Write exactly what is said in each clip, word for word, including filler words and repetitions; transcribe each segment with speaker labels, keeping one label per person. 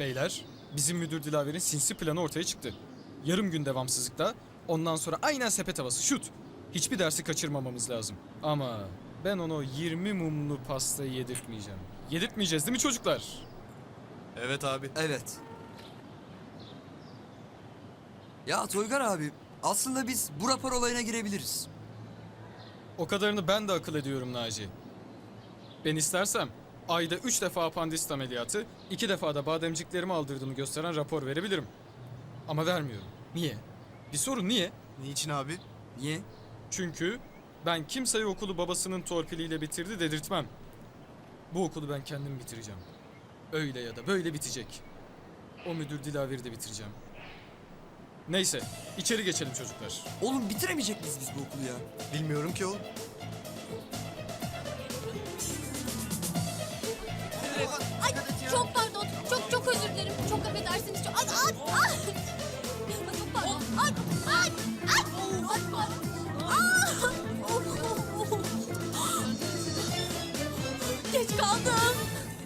Speaker 1: Beyler, bizim müdür Dilaver'in sinsi planı ortaya çıktı. Yarım gün devamsızlıkta, ondan sonra aynen sepet havası, şut. Hiçbir dersi kaçırmamamız lazım. Ama ben ona o yirmi mumlu pastayı yedirtmeyeceğim. Yedirtmeyeceğiz değil mi çocuklar?
Speaker 2: Evet abi.
Speaker 3: Evet. Ya Toygar abi, aslında biz bu rapor olayına girebiliriz.
Speaker 1: O kadarını ben de akıl ediyorum Naci. Ben istersem ayda üç defa apandisit ameliyatı, iki defa da bademciklerimi aldırdığımı gösteren rapor verebilirim. Ama vermiyorum. Niye? Bir sorun niye?
Speaker 2: Niçin abi?
Speaker 3: Niye?
Speaker 1: Çünkü ben kimseye okulu babasının torpiliyle bitirdi dedirtmem. Bu okulu ben kendim bitireceğim. Öyle ya da böyle bitecek. O müdür Dilaver'i de bitireceğim. Neyse, içeri geçelim çocuklar.
Speaker 3: Oğlum bitiremeyecek miyiz biz bu okulu ya?
Speaker 2: Bilmiyorum ki oğlum.
Speaker 4: Ay çok pardon. Çok çok özür dilerim. Çok affedersiniz. Çok... Ay, ay, ay. Ay, çok pardon. Ay, ay, ay. Ay, pardon. Aa! Geç kaldım.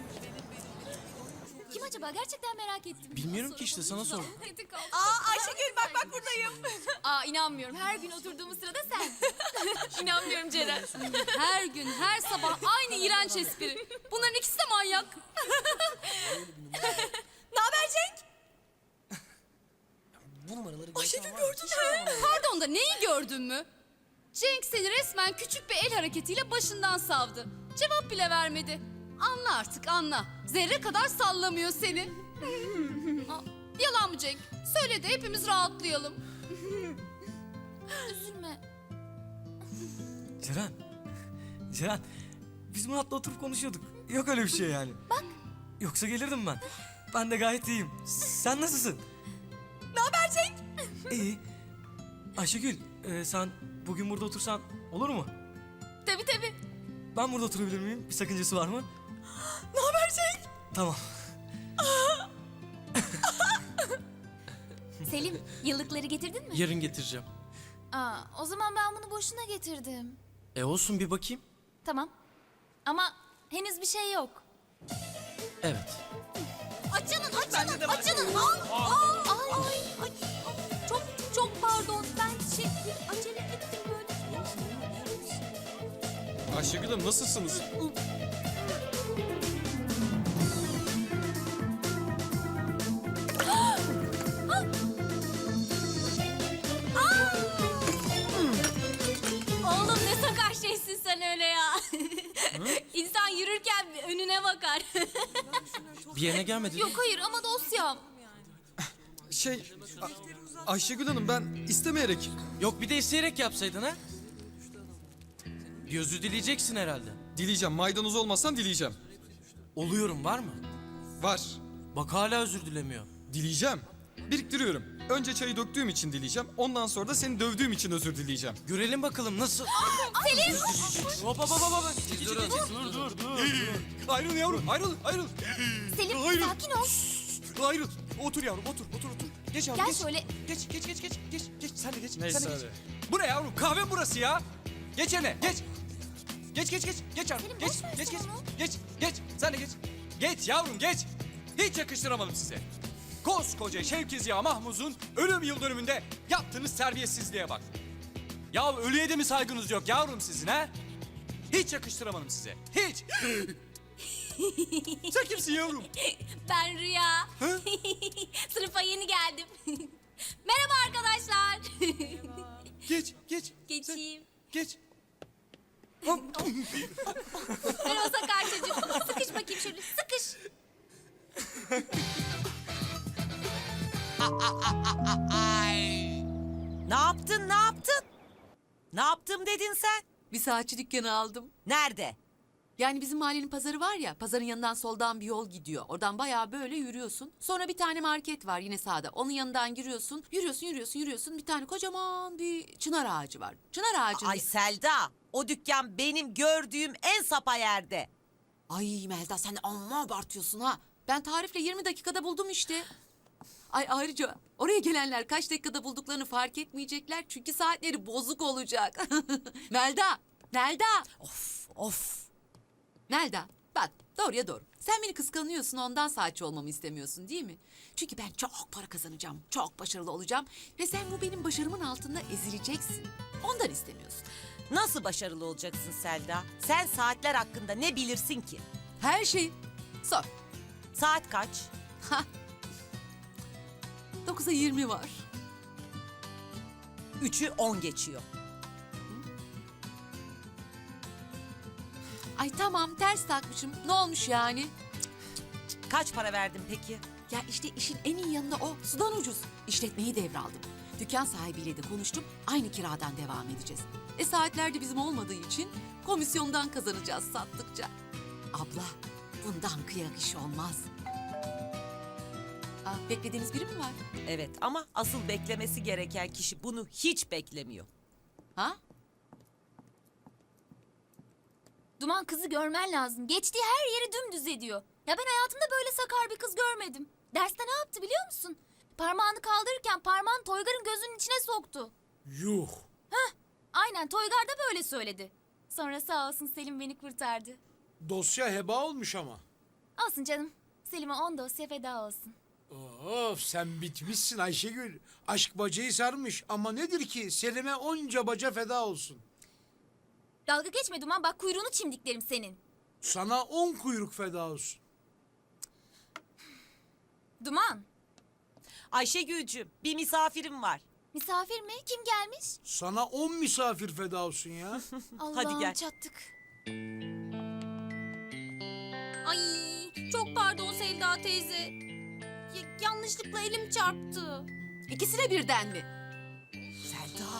Speaker 4: Kim acaba? Gerçekten merak ettim.
Speaker 2: Bilmiyorum ki işte, sana sordum.
Speaker 4: Aa Ayşegül bak bak buradayım. Aa inanmıyorum. Her gün oturduğumuz sırada sen. İnanmıyorum Ceren.
Speaker 5: Her gün, her sabah aynı iğrenç espri. Bunların ikisi de manyak.
Speaker 4: Ne haber Cenk?
Speaker 5: Ayşegül gördün mü? Pardon da neyi gördün mü? Cenk seni resmen küçük bir el hareketiyle başından savdı. Cevap bile vermedi. Anla artık anla. Zerre kadar sallamıyor seni. Aa, yalan mı Cenk? Söyle de hepimiz rahatlayalım.
Speaker 4: Üzülme.
Speaker 6: Ceren. Ceren. Biz Murat'la oturup konuşuyorduk. Yok öyle bir şey yani. Bak. Yoksa gelirdim ben. Ben de gayet iyiyim. Sen nasılsın?
Speaker 4: Ne haber Cenk?
Speaker 6: İyi. Ayşegül, e, sen bugün burada otursan olur mu?
Speaker 4: Tabii tabii.
Speaker 6: Ben burada oturabilir miyim? Bir sakıncası var mı?
Speaker 4: Ne haber Cenk?
Speaker 6: Tamam.
Speaker 4: Selim, yıllıkları getirdin mi?
Speaker 2: Yarın getireceğim.
Speaker 4: Aa, o zaman ben bunu boşuna getirdim.
Speaker 2: E olsun, bir bakayım.
Speaker 4: Tamam. Ama henüz bir şey yok.
Speaker 2: Evet.
Speaker 4: Açılın, açılın, açılın. Al, al, al. Ay, ay, çok, çok pardon. Ben şey, acele ettim böyle.
Speaker 1: Ayşegül Hanım nasılsınız?
Speaker 4: Oğlum ne sakar şeysin sen öyle ya. İnsan yürürken önüne bakar.
Speaker 2: Bir yerine gelmedi.
Speaker 4: Yok hayır ama dosyam.
Speaker 1: Şey, A- Ayşegül Hanım ben istemeyerek...
Speaker 2: Yok, bir de isteyerek yapsaydın ha. Bir özür dileyeceksin herhalde.
Speaker 1: Dileyeceğim, maydanoz olmasam dileyeceğim.
Speaker 2: Oluyorum, var mı?
Speaker 1: Var,
Speaker 2: Bak hala özür dilemiyor.
Speaker 1: dileyeceğim. Biriktiriyorum. Önce çayı döktüğüm için dileyeceğim. Ondan sonra da seni dövdüğüm için özür dileyeceğim.
Speaker 2: Görelim bakalım nasıl.
Speaker 4: Selim.
Speaker 2: Hop hop hop hop. Dur dur dur dur.
Speaker 7: Ayrıl yavrum, ayrıl, ayrıl.
Speaker 4: Selim
Speaker 7: Hayır.
Speaker 4: sakin ol.
Speaker 7: Ayrıl. Otur yavrum, otur, otur, otur. Geç yavrum,
Speaker 4: Gel
Speaker 7: geç.
Speaker 4: şöyle.
Speaker 7: Geç, geç, geç, geç, geç, geç. Sen de geç,
Speaker 1: Neyse
Speaker 7: sen de geç.
Speaker 1: hadi.
Speaker 7: Bu ne yavrum? Kahve mi burası ya? Geç yerine, geç. Geç, geç, geç, geç yavrum.
Speaker 4: Selim,
Speaker 7: Geç,
Speaker 4: boş ver
Speaker 7: geç,
Speaker 4: sen
Speaker 7: geç,
Speaker 4: onu.
Speaker 7: geç, geç. Sen de geç. Geç yavrum, geç. Hiç yakıştıramadım size. Koskoca Şevki Ziya Mahmuz'un ölüm yıl dönümünde yaptığınız terbiyesizliğe bak. Ya ölüye de mi saygınız yok yavrum sizin ha? Hiç yakıştıramadım size. Hiç. Sen kimsin yavrum?
Speaker 4: Ben Rüya.
Speaker 7: Hı?
Speaker 4: Sınıfa yeni geldim. Merhaba arkadaşlar.
Speaker 7: Geç, geç.
Speaker 4: Geçeyim.
Speaker 7: Geç.
Speaker 4: Merhaba Sakar çocuğum. Sıkış bakayım şöyle. Sıkış.
Speaker 8: Ne yaptın, ne yaptın? Ne yaptım dedin sen?
Speaker 5: Bir saatçi dükkanı aldım.
Speaker 8: Nerede?
Speaker 5: Yani bizim mahallenin pazarı var ya, pazarın yanından soldan bir yol gidiyor. Oradan bayağı böyle yürüyorsun. Sonra bir tane market var yine sağda. Onun yanından giriyorsun. Yürüyorsun, yürüyorsun, yürüyorsun. Bir tane kocaman bir çınar ağacı var. Çınar ağacı.
Speaker 8: Ay Selda, o dükkan benim gördüğüm en sapa yerde.
Speaker 5: Ay Melda sen de amma abartıyorsun ha. Ben tarifle yirmi dakikada buldum işte. Ay ayrıca oraya gelenler kaç dakikada bulduklarını fark etmeyecekler. Çünkü saatleri bozuk olacak. Melda, Melda,
Speaker 8: Of, of.
Speaker 5: Melda.
Speaker 9: Bak doğruya doğru. Sen beni kıskanıyorsun ondan saatçi olmamı istemiyorsun değil mi? Çünkü ben çok para kazanacağım, çok başarılı olacağım. Ve sen bu benim başarımın altında ezileceksin. Ondan istemiyorsun.
Speaker 8: Nasıl başarılı olacaksın Selda? Sen saatler hakkında ne bilirsin ki?
Speaker 9: Her şeyi sor.
Speaker 8: Saat kaç?
Speaker 9: Dokuza yirmi var.
Speaker 8: Üçü on geçiyor.
Speaker 9: Ay tamam ters takmışım. Ne olmuş yani?
Speaker 8: Kaç para verdin peki?
Speaker 9: Ya işte işin en iyi yanında o. Sudan ucuz. İşletmeyi devraldım. Dükkan sahibiyle de konuştum. Aynı kiradan devam edeceğiz. E saatler de bizim olmadığı için komisyondan kazanacağız sattıkça. Abla bundan kıyak iş olmaz. Aa, beklediğiniz biri mi var?
Speaker 8: Evet ama asıl beklemesi gereken kişi bunu hiç beklemiyor.
Speaker 9: Ha?
Speaker 4: Duman kızı görmen lazım. Geçtiği her yeri dümdüz ediyor. Ya ben hayatımda böyle sakar bir kız görmedim. Derste ne yaptı biliyor musun? Parmağını kaldırırken parmağını Toygar'ın gözünün içine soktu.
Speaker 10: Yuh.
Speaker 4: Aynen Toygar da böyle söyledi. Sonra sağ olsun Selim beni kurtardı.
Speaker 10: Dosya heba olmuş ama.
Speaker 4: Olsun canım. Selim'e on dosya feda olsun.
Speaker 10: Of sen bitmişsin Ayşegül. Aşk bacayı sarmış ama nedir ki Selim'e onca baca feda olsun.
Speaker 4: Dalga geçme Duman bak kuyruğunu çimdiklerim senin.
Speaker 10: Sana on kuyruk feda olsun.
Speaker 4: Duman.
Speaker 8: Ayşegül'cüm bir misafirim var.
Speaker 4: Misafir mi? Kim gelmiş?
Speaker 10: Sana on misafir feda olsun ya.
Speaker 4: Allah'ım
Speaker 8: gel.
Speaker 4: çattık. Ay çok pardon Sevda teyze. Ya- yanlışlıkla elim çarptı.
Speaker 9: İkisine birden mi?
Speaker 8: Selda.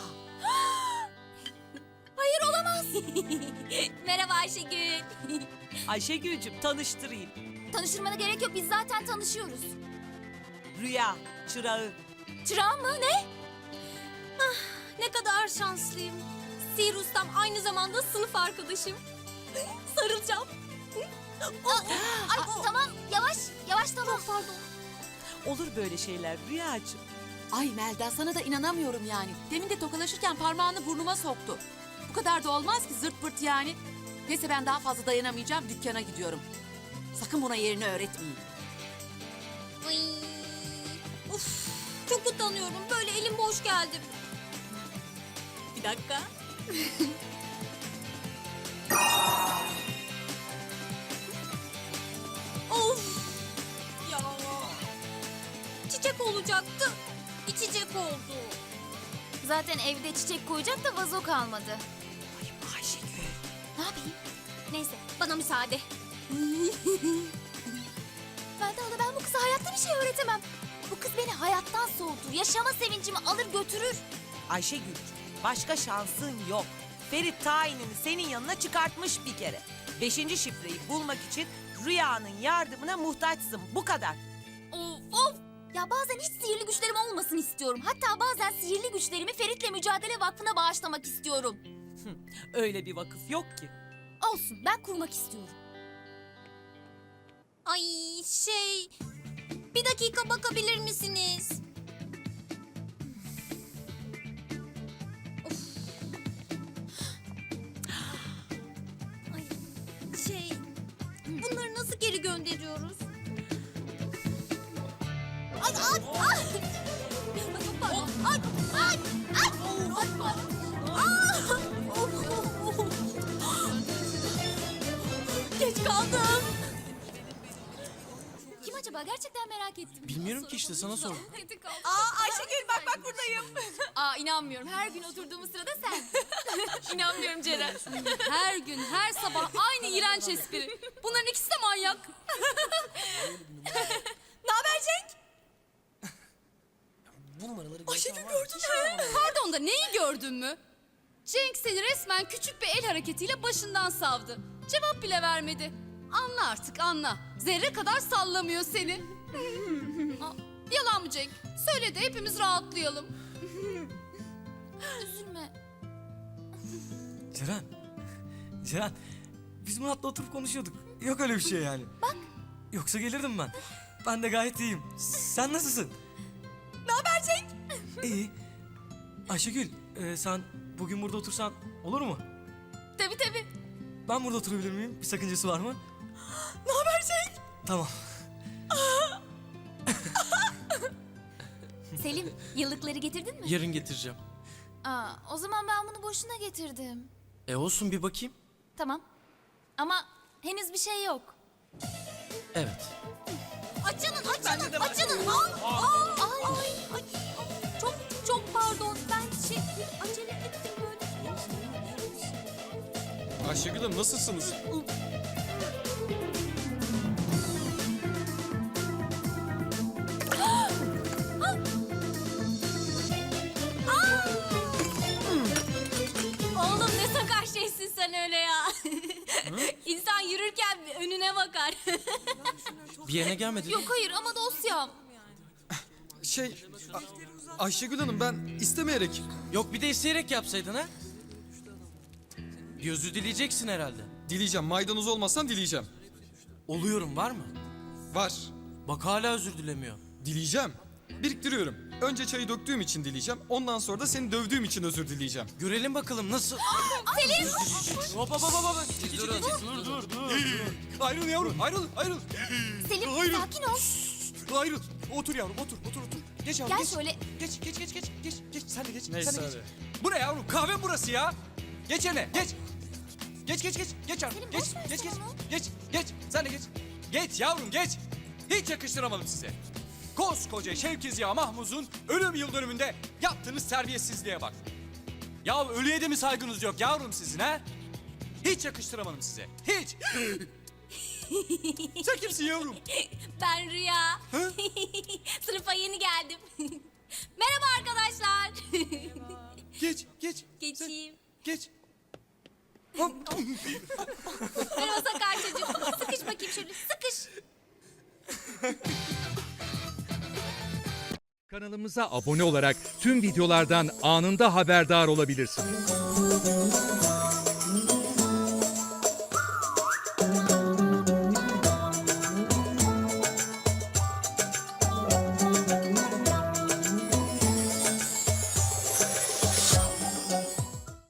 Speaker 4: Hayır olamaz. Merhaba Ayşegül.
Speaker 8: Ayşegül'cüm tanıştırayım.
Speaker 4: Tanıştırmana gerek yok biz zaten tanışıyoruz.
Speaker 8: Rüya, çırağı.
Speaker 4: Çırağım mı ne? Ah, ne kadar şanslıyım. Sihir ustam aynı zamanda sınıf arkadaşım. Sarılacağım. Aa, ay, tamam yavaş yavaş tamam pardon.
Speaker 8: Olur böyle şeyler Rüyacığım.
Speaker 9: Ay Melda sana da inanamıyorum yani. Demin de tokalaşırken parmağını burnuma soktu. Bu kadar da olmaz ki zırt pırt yani. Neyse ben daha fazla dayanamayacağım dükkana gidiyorum. Sakın buna yerini öğretmeyin.
Speaker 4: Ay, uf, çok utanıyorum. Böyle elim boş geldim. Bir dakika. Of! Ya. Çiçek olacaktı. İçecek oldu. Zaten evde çiçek koyacak da vazo kalmadı.
Speaker 8: Ay Ayşegül.
Speaker 4: Ne yapayım? Neyse bana müsaade. Melda hala ben bu kıza hayatta bir şey öğretemem. Bu kız beni hayattan soğutur. Yaşama sevincimi alır götürür.
Speaker 8: Ayşegül başka şansın yok. Ferit tayinini senin yanına çıkartmış bir kere. Beşinci şifreyi bulmak için Rüya'nın yardımına muhtaçsın. Bu kadar.
Speaker 4: Of of. Ya bazen hiç sihirli güçlerim olmasın istiyorum. Hatta bazen sihirli güçlerimi Ferit'le Mücadele Vakfı'na bağışlamak istiyorum.
Speaker 8: Öyle bir vakıf yok ki.
Speaker 4: Olsun ben kurmak istiyorum. Ay şey... Bir dakika bakabilir misiniz? Of. Ay şey... Bunları nasıl geri gönderiyoruz? Ay ay ay! Ay çok pardon. Ay ay ay! Ay pardon. Aa! Of. Geç kaldım. Kim acaba? Gerçekten merak ettim.
Speaker 2: Bilmiyorum ki işte, sana sordum.
Speaker 4: Aa Ayşegül bak bak buradayım. Aa inanmıyorum. Her gün oturduğumuz sırada sen. İnanmıyorum Ceren. Her gün, her sabah aynı iğrenç espri. Bunların ikisi de manyak. Ne haber Cenk?
Speaker 6: Bu numaraları
Speaker 4: Ayşegül gördün mü? Pardon da neyi gördün mü? Cenk seni resmen küçük bir el hareketiyle başından savdı. Cevap bile vermedi. Anla artık anla. Zerre kadar sallamıyor seni. Aa, yalan mı Cenk? Söyle de hepimiz rahatlayalım. Üzülme.
Speaker 6: Ceren. Ceren. Biz Murat'la oturup konuşuyorduk. Yok öyle bir şey yani.
Speaker 4: Bak.
Speaker 6: Yoksa gelirdim ben. Ben de gayet iyiyim. Sen nasılsın?
Speaker 4: Ne haber Cenk?
Speaker 6: İyi. Ayşegül, e, sen bugün burada otursan olur mu?
Speaker 4: Tabii tabii.
Speaker 6: Ben burada oturabilir miyim? Bir sakıncası var mı?
Speaker 8: Ne haber Cenk?
Speaker 6: Tamam.
Speaker 5: Selim, yıllıkları getirdin mi?
Speaker 2: Yarın getireceğim.
Speaker 5: Aa, o zaman ben bunu boşuna getirdim.
Speaker 2: E olsun bir bakayım.
Speaker 5: Tamam. Ama henüz bir şey yok.
Speaker 2: Evet.
Speaker 5: Açılın, açılın, açılın. Al, al, al. Ay, ay, çok, çok pardon. Ben şey, acele ettim böyle.
Speaker 1: Ayşegül Hanım nasılsınız?
Speaker 5: Oğlum ne sakar şeysin sen öyle ya. İnsan yürürken önüne bakar.
Speaker 2: Bir yerine gelmedi.
Speaker 5: Yok hayır ama dosyam.
Speaker 1: Şey, A- Ayşegül Hanım ben istemeyerek...
Speaker 2: Yok bir de isteyerek yapsaydın ha? Bir özür dileyeceksin herhalde.
Speaker 1: Dileyeceğim. Maydanoz olmazsan dileyeceğim.
Speaker 2: Oluyorum var mı?
Speaker 1: Var.
Speaker 2: Bak hala özür dilemiyor.
Speaker 1: Dileyeceğim. Biriktiriyorum. Önce çayı döktüğüm için dileyeceğim. Ondan sonra da seni dövdüğüm için özür dileyeceğim.
Speaker 2: Görelim bakalım nasıl...
Speaker 5: Selim!
Speaker 2: Hop hop hop hop. Dur dur dur.
Speaker 7: Ayrıl yavrum, ayrıl, ayrıl.
Speaker 5: Selim
Speaker 7: Hayır.
Speaker 5: sakin ol.
Speaker 7: Ayrıl. Otur yavrum, otur, otur, otur. Geç yavrum,
Speaker 5: Gel
Speaker 7: geç.
Speaker 5: şöyle.
Speaker 7: Geç, geç, geç, geç, geç, geç. Sen de geç,
Speaker 1: Neyse
Speaker 7: sen de geç.
Speaker 1: hadi.
Speaker 7: Bu ne yavrum? Kahve burası ya. Geç yerine, geç. Geç, geç, geç. Geç yavrum,
Speaker 5: Selim,
Speaker 7: geç,
Speaker 5: boş ver
Speaker 7: geç,
Speaker 5: sen
Speaker 7: geç.
Speaker 5: onu.
Speaker 7: Geç, geç. Sen de geç. Geç yavrum, geç. Hiç yakıştıramadım size. Koskoca Şevki Ziya Mahmuz'un ölüm yıl dönümünde yaptığınız terbiyesizliğe bak. Ya ölüye de mi saygınız yok yavrum sizin ha? Hiç yakıştıramadım size. Hiç. Sen kimsin yavrum?
Speaker 5: Ben Rüya. Sınıfa yeni geldim. Merhaba arkadaşlar.
Speaker 7: Geç, geç.
Speaker 5: Geçeyim.
Speaker 7: Geç.
Speaker 5: Merhaba sakar çocuk. Sıkış bakayım şöyle sıkış.
Speaker 11: Kanalımıza abone olarak tüm videolardan anında haberdar olabilirsiniz.